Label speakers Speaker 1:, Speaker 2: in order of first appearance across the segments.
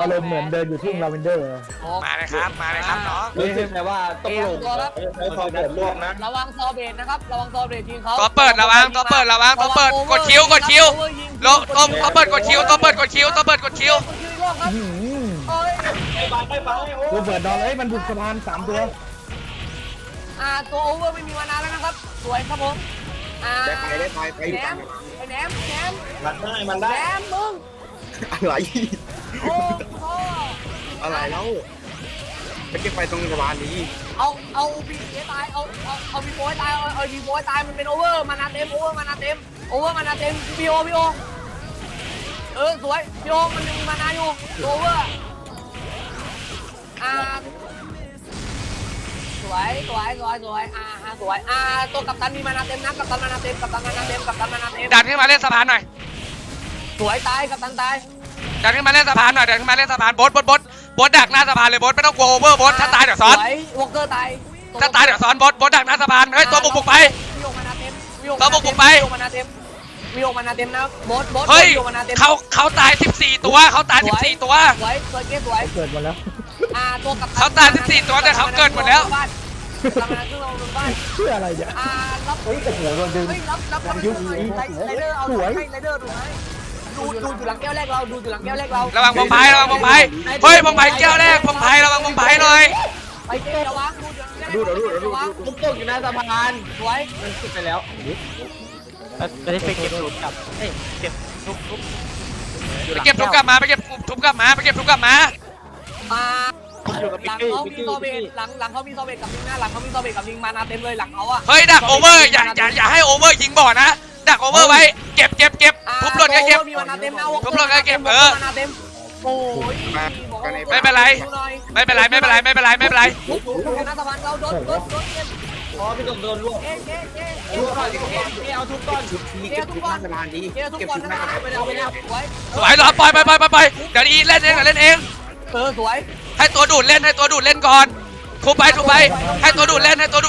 Speaker 1: อารมณ์เหมือนเดินอยู่ทุ่งลาเวนเดอร์
Speaker 2: มาเลยครับมาเลยครับน้อง
Speaker 3: รู้สึกไงว่าต้องลง
Speaker 4: ใช้ความเปิดรวบนะ
Speaker 5: ระวังซอเบตนะครับระวังซอเบตทีมเขา
Speaker 2: ตัวเปิดระวังตัวเปิดระวังตัวเปิดกดคิวกดคิวโลตัวเปิดกดคิวตัวเปิดกดคิวตัวเปิดกดคิว
Speaker 1: ตัวเปิดนอนเลยมันบุกสะพาน3 ตัว
Speaker 5: ตัวโอเวอร์ไม่มีมานานแล้วนะครับสวยครับผม
Speaker 4: ได้ไปอยู่
Speaker 5: แหน
Speaker 4: กัน
Speaker 5: มแหนม
Speaker 4: มันได้
Speaker 5: แหนมมึง
Speaker 4: อะไร
Speaker 5: โอ้พ่อ
Speaker 4: อะไรแล้วไปเก็บไฟตรงสะพานนี้
Speaker 5: เอาบีตายเอาบีโบยตายเอาบีโบยตายมันเป็นโอเวอร์มานาเต็มโอเวอร์มานาเต็มพีโอสวยพีโอมันยังมีมานาอยู่โอเวอร์สวยสวยตัวกัปตันมีมานาเต็มนะกัปตันมานาเต็ม
Speaker 2: ดันขึ้นมาเล่นสะพานหน่อย
Speaker 5: สวยตายกัปตันตาย
Speaker 2: ดันขึ้นมาเล่นสะพานหน่อยดันขึ้นมาเล่นสะพานบดดักหน้าสะพานเลยบดไม่ต้องกลัวโอเวอร์บดถ้าตายเดี๋ยวซ้อน
Speaker 5: สวยวอลเกอร์ตาย
Speaker 2: ถ้าตายเดี๋ยวซ้อนบดดักหน้าสะพานเฮ้ยตัวบุกไป
Speaker 5: วิโอมานาเต็ม
Speaker 2: วิโอมานาเต็ม
Speaker 5: นะบด
Speaker 2: เฮ้ยเขาตาย14ตัวเขาตาย14ตัว
Speaker 5: สวยสวย
Speaker 1: เกิดมาแล้ว
Speaker 5: ตัวกับ
Speaker 2: เขาตาย14ตัวแต่เขาเกิดหมดแล้ว
Speaker 5: ทำงานซึ่งเราบ้าน
Speaker 1: เพื่ออะไรเนี่ย
Speaker 5: รับ
Speaker 1: เฮ้ยโอ้โหโดนดึง
Speaker 5: รับไรเดอร์เอาไรเดอร์ดูไหมดูอยู่หลังแก้วแรกเราดูอยู่หลังแก้วแรกเรา
Speaker 2: ระวังพงไพ่เฮ้ยพงไพ่แก้วแรกพงไพ่ระวังพงไพ่หน่อย
Speaker 5: ไปเจ้ระวังดู
Speaker 3: ลูกตกอยู่หน้าสะพาน
Speaker 5: สวย
Speaker 3: มันขึ้นไปแล้วจะได้ไปเก็บหลุดกลับเก็บทุบ
Speaker 2: ไปเก็บทุบกลับมาไปเก็บทุบกลับมา
Speaker 5: หลังเขามีโซเบตหลังเขามีโซเบตกับลิงนะหลังเขามีโซเบตกับลิงมานาเต็มเลยหลังเขาอะ
Speaker 2: เฮ้ยดักโอเวอร์อย่าให้โอเวอร์ยิงบ่อนะดักโอเวอร์ไว้เก็บทุบหล่นก็เก็บ
Speaker 5: มีมานาเต็มนะ
Speaker 2: ทุบหล่นก็เก็บมานาเต็ม
Speaker 5: โอ้ย
Speaker 2: ไม่เป็นไรทุบห
Speaker 5: น้าสะพานเราโดน
Speaker 3: พอพี่ตกโดนลวก
Speaker 5: เอาทุบก่อน
Speaker 4: เก็บทุกหน้าสะพานนี้
Speaker 5: เก็บทุบ
Speaker 4: เก็บ
Speaker 5: ก่อน
Speaker 4: ทุกห
Speaker 5: นะ
Speaker 4: น้าสะพาน
Speaker 5: ไปแล้ว
Speaker 2: สวยเหรอปล่อยเดี๋ยวอีเล่นเอง
Speaker 5: สวย
Speaker 2: ให้ตัวดูดเล่นก่อนทุบไปให้ตัวดูดเล่น
Speaker 5: เขา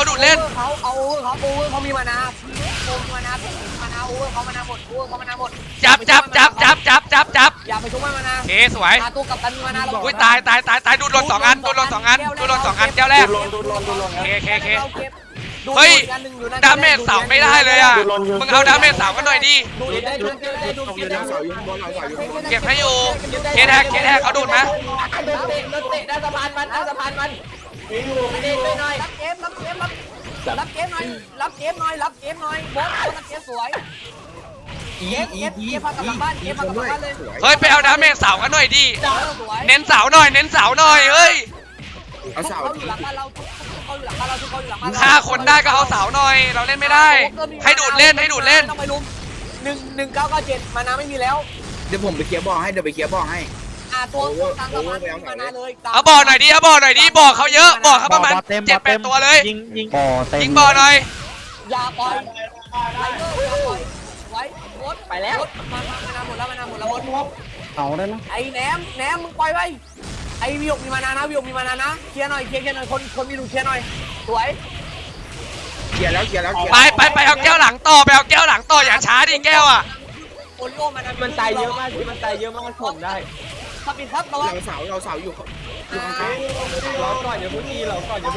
Speaker 5: มีมานาโอเวอร์เขามานาหมด
Speaker 2: จับ
Speaker 5: อย่าไปทุบมานา
Speaker 2: โอเคสวย
Speaker 5: ตัวกับตันมีมานาเรา
Speaker 2: อุ้ยตายดูดหล่น2 อันแก้วแรกโอเคเฮ้ยดาเมจเสาไม่ได้เลยอ่ะมึงเอาดาเมจเสากันหน่อยดิ
Speaker 5: ดูได้
Speaker 4: เสาอยู่ข้างบนเสาอยู่ข้างบน
Speaker 2: เก็บให้อยู่เคแท็กเขาดูดไหม
Speaker 3: รถเตะหน้าสะพานมันเล่นหน่อย
Speaker 5: รับเกมหน่อยบอสรับเกมสวยเก็บพากลับบ้านเลย
Speaker 2: เฮ้ยไปเอาดาเมจเสากันหน่อยดิ
Speaker 5: สวย
Speaker 2: เน้นเสาหน่อยเฮ้ย
Speaker 4: เอาเสา
Speaker 5: เขาอยู่หลังบ้านเราเขาอยู่หลังบ้านเรา
Speaker 2: ฆ่าคนได้ก็เอาเสาหน่อยเราเล่นไม่ได้ให้ดูดเล่น
Speaker 5: ต้องไปลุม1997มานาไม่มีแล้ว
Speaker 4: เดี๋ยวผมไปเคลียร์บ่อให้
Speaker 5: ตัวตามสะพานมานาเลย
Speaker 2: เอาบ่อหน่อยดิบ่อเขาเยอะบ่อเขาประมาณ7-8 ตัวเลย
Speaker 3: ยิง
Speaker 2: ยิงบ่อหน่อย
Speaker 5: อย่าปล่อยไลเดอร์อย่าปล่อยไว้วด
Speaker 3: ไปแล้ว
Speaker 5: มานาหมดแล้ววด
Speaker 1: เอาได้ไหม
Speaker 5: ไอ้แหนมมึงปล่อยไว้ไอ้วิวมีมานานะเคลียร์หน่อยคนมีดูเคลียร์หน่อยสวย
Speaker 4: เคลียร์แล้ว
Speaker 2: ไปเอาแก้วหลังต่ออย่าช้าดิแก้วอ่ะ
Speaker 5: โอริโอ
Speaker 3: มันตายเยอะมากมันผมได้
Speaker 5: ขับปิดครับระวัง
Speaker 4: เราเสาอยู่ข้าง
Speaker 3: เราก่อนอย่าพึ่งยีเรา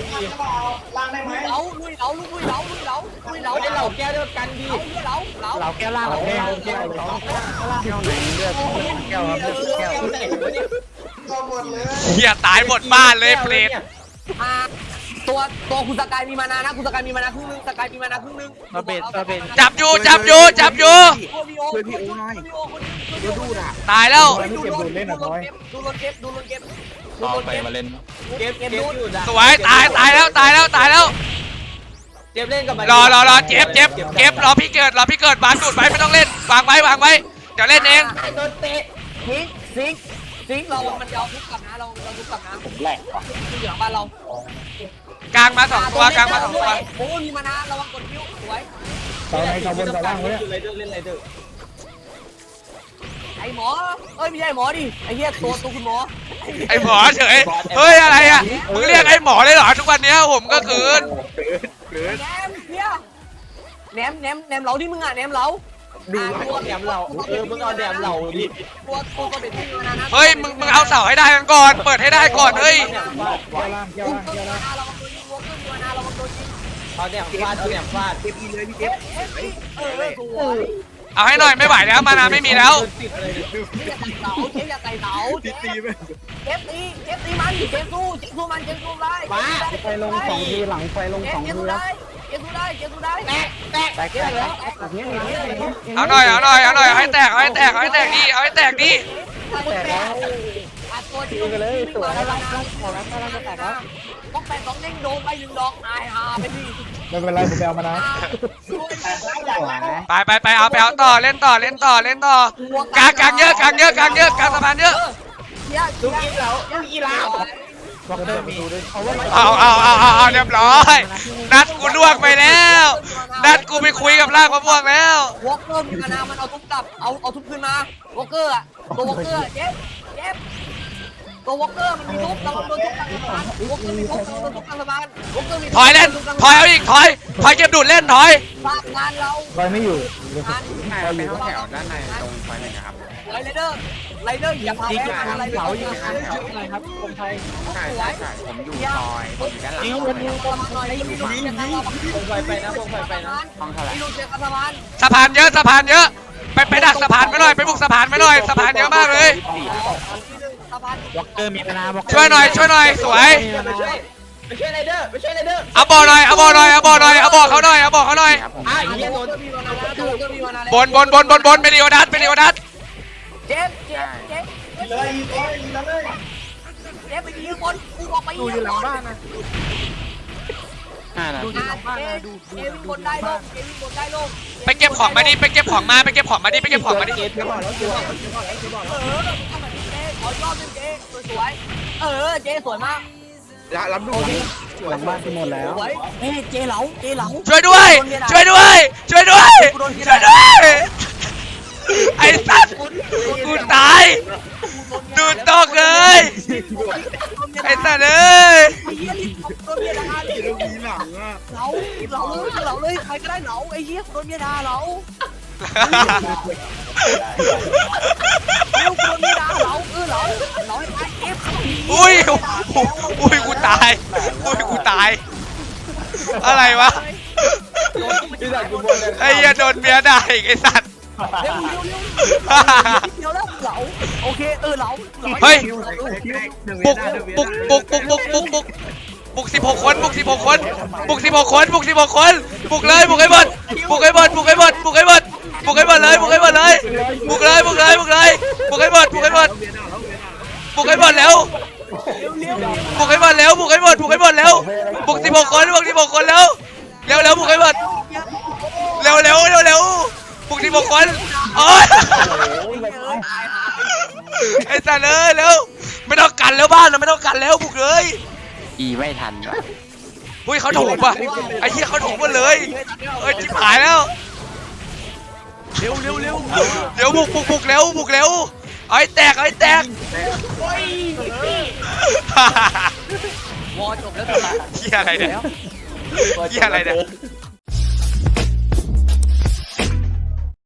Speaker 5: ลุยเหลา
Speaker 3: ไม่ได้เราแก้ด้วยกันดี
Speaker 1: เราแก้วล่างแก้วไหนเลือดแก้ว
Speaker 2: เฮียตายหมดบ้านเลยเปรต
Speaker 5: ตัวคุณสกายมีมานานะคุณสกายมีมานาครึ่งนึงสกายมีมานาครึ่งนึง
Speaker 3: มาเบน
Speaker 2: จับอยู่
Speaker 4: ช่วยพี่โอ้หน่อยดูด่ะ
Speaker 2: ตายแล้ว
Speaker 5: ดูลนเก็บ
Speaker 3: มาเล่นเก็บอยู่
Speaker 2: สวยตายแล้ว
Speaker 3: เจ็บเล่นกับมัน
Speaker 2: รอเจ็บรอพี่เกิดวางดูดไว้ไม่ต้องเล่นวางไว้เดี๋ยวเล่นเอง
Speaker 3: โดนเตะ
Speaker 5: ซิงเรามันจะเอาทุบกลับนะเราทุบกลับนะผมแหลกว่ะอยู่หลังบ้านเรา
Speaker 2: กลางมา2 ตัว
Speaker 5: โอ้มีมานาระวังกดคิ้วสวย
Speaker 1: ตอนไหนเขาบนตะล่างเลย
Speaker 3: ไรเดอร์เล่นไรเดอร์
Speaker 5: ไอหมอไม่ใช่หมอดิไอเหี้ยตัวคุณหมอ
Speaker 2: ไอหมอเฉยเฮ้ยอะไรอ่ะมึงเรียกไอหมอเลยเหรอทุกวันนี้ผมก็คืน
Speaker 5: แหนมเพี้ยแหนมเหลาที่มึงอ่ะแหนมเหลาตัวแดมเรามึงเอาแดมเราดิตัวเป็นที่มานานะ
Speaker 2: เฮ้ยมึงเอาเสาให้ได้กันก่อนเปิดให้ได้ก่อนเฮ้ย
Speaker 1: เกี่ยวล่างเกี่ยวล่างเกี่ยวล่าง
Speaker 5: เราโดนยิง
Speaker 3: เอาแดมฟาดเอาแดมฟาด
Speaker 4: เก็บอีเลยพี่เก็บ
Speaker 2: เอาให้หน่อยไม่ไหวแล้วมานาไม่มีแล้ว
Speaker 3: ติดเลย
Speaker 5: เจ๊อย่าไต่เสา
Speaker 4: ตีไป
Speaker 5: เจ๊ตีมันเจ๊สู้มันได้
Speaker 1: ไฟลง2 ทีหลังไฟลง2 ทีแล้ว
Speaker 5: เจ๊สู้ได้แตกแล้ว
Speaker 1: อย่างนี้
Speaker 2: เอาหน่อยเอาให้แตกดิเอาให้แตกดิ
Speaker 1: แตกแล้ว
Speaker 5: ตัวที่
Speaker 1: ยิงไปเลยสวยแล้วขอแล้วกำลังจะแตกแล้ว
Speaker 5: ต้องไป2เด้งโดนไป1ดอกตายหาไปดิ
Speaker 1: ไม่เป็นไรผมไปเอามานะ
Speaker 2: ไปเอาต่อเล่นต่อกลางเยอะกลางสะพานเยอะ
Speaker 5: ลูกอีลาว
Speaker 1: บอกเดินดูด้วยเอาว่า
Speaker 2: เอาเรียบร้อยนัดกูล่วงไปแล้วนัดกูไปคุยกับร่างมะม่วงแล้ว
Speaker 5: วอลเกอร์มีนามันเอาทุบกลับเอาทุบคืนมาวอลเกอร์อะตัววอลเกอร์เจ็บตัววอลเกอร์มันมีทุบเราโดนทุบกลางสะพานวอลเกอร์มีทุบโดนทุบกลางสะพานวอลเกอร์มี
Speaker 2: ถอยเล่นถอยเอาอีกถอยเก็บดูดเล่นถอย
Speaker 5: ฝากงานเรา
Speaker 1: ไฟไม่อยู่
Speaker 5: งาน
Speaker 1: ไฟอยู่
Speaker 4: แถวด้านในตรงไฟไหนครับ
Speaker 5: ไรเดอร์อย่าพาแพ้ไรเดอร์
Speaker 1: ครับคนไทย
Speaker 4: ใช่ผมอยู่ซอยผมอยู่ด้านหลัง
Speaker 5: นี่มันมีตัวมาหน่อยมีลูกเสียง
Speaker 3: วงไฟไปนะวงไฟไปนะ
Speaker 5: มีลูกเสียงสะพาน
Speaker 2: สะพานเยอะไปดักสะพานไปหน่อยไปบุกสะพานไปหน่อยสะพานเยอะมากเลย
Speaker 5: สะพาน
Speaker 3: วอลเกอร์มีมานาวอลเกอร์
Speaker 2: ช่วยหน่อยสวย
Speaker 3: ไปช่วยไรเดอร์ไปช่วยไรเดอร์
Speaker 2: เอาบอลเขาหน่อย
Speaker 3: ไอ้เหี้ยโดน
Speaker 2: บนเมลิโอดัส
Speaker 5: เจ็บไปยิงคนกูออกไปยิงอยู่หลังบ้านนะ
Speaker 3: ดู
Speaker 5: เกวิ่งบนได้โลก
Speaker 2: ไปเก็บของมาดิไปเก็บของมาดิ
Speaker 3: เกตบอกแล้วเกตบอกแล้ว
Speaker 5: ขอยอดเป็นเจ๊สวยเจ๊สวยมาก
Speaker 4: รับดู
Speaker 1: หลังบ้านที่หมดแล้ว
Speaker 5: สวยเจ๊เหลา
Speaker 2: ช่วยด้วยไอ้สัตว์กูตายดูดตกเลยไอ้สัตว์เอ้ย
Speaker 5: ไอ้เหี้ยรีบโดนเมียด่า
Speaker 4: ลูกนี้หลังอ่ะ
Speaker 5: เหลาเลยใครก็ได้เหลาไอ้เหี้ยโดนเมียด่าเหลาเร็วโดนเมียด่าเหลาเหลาให้ตายเอฟ
Speaker 2: อุ้ยกูตายอะไรวะไอ้เหี้ยโดนเมียด่าอีกไอ้สัตว์
Speaker 5: เร็วเดี๋ยวแล้วเหลาโอเคเหลา
Speaker 2: เฮ้ยบุก16 คนบุก16 คนบุกให้หมดเลยบุกให้หมดเลยบุกเลยบุกให้หมดแล้วบุกให้หมดแล้วบุก16 คนแล้วเร็วบุกให้หมดเร็วบุก16 คนโอ๊ยไอ้สัตว์เลยแล้วไม่ต้องกันแล้วบ้านเราไม่ต้องกันแล้วบุกเลย
Speaker 3: อีไม่ทันว่ะ
Speaker 2: อุ้ยเขาถูกป่ะไอ้เหี้ยเขาถูกหมดเลยเอ้ยจิ๋หายแล้วเร็วเดี๋ยวบุกเร็วเอาให้แตก
Speaker 5: วอจบแล้ว
Speaker 2: เหี้ยอะไรเนี่ย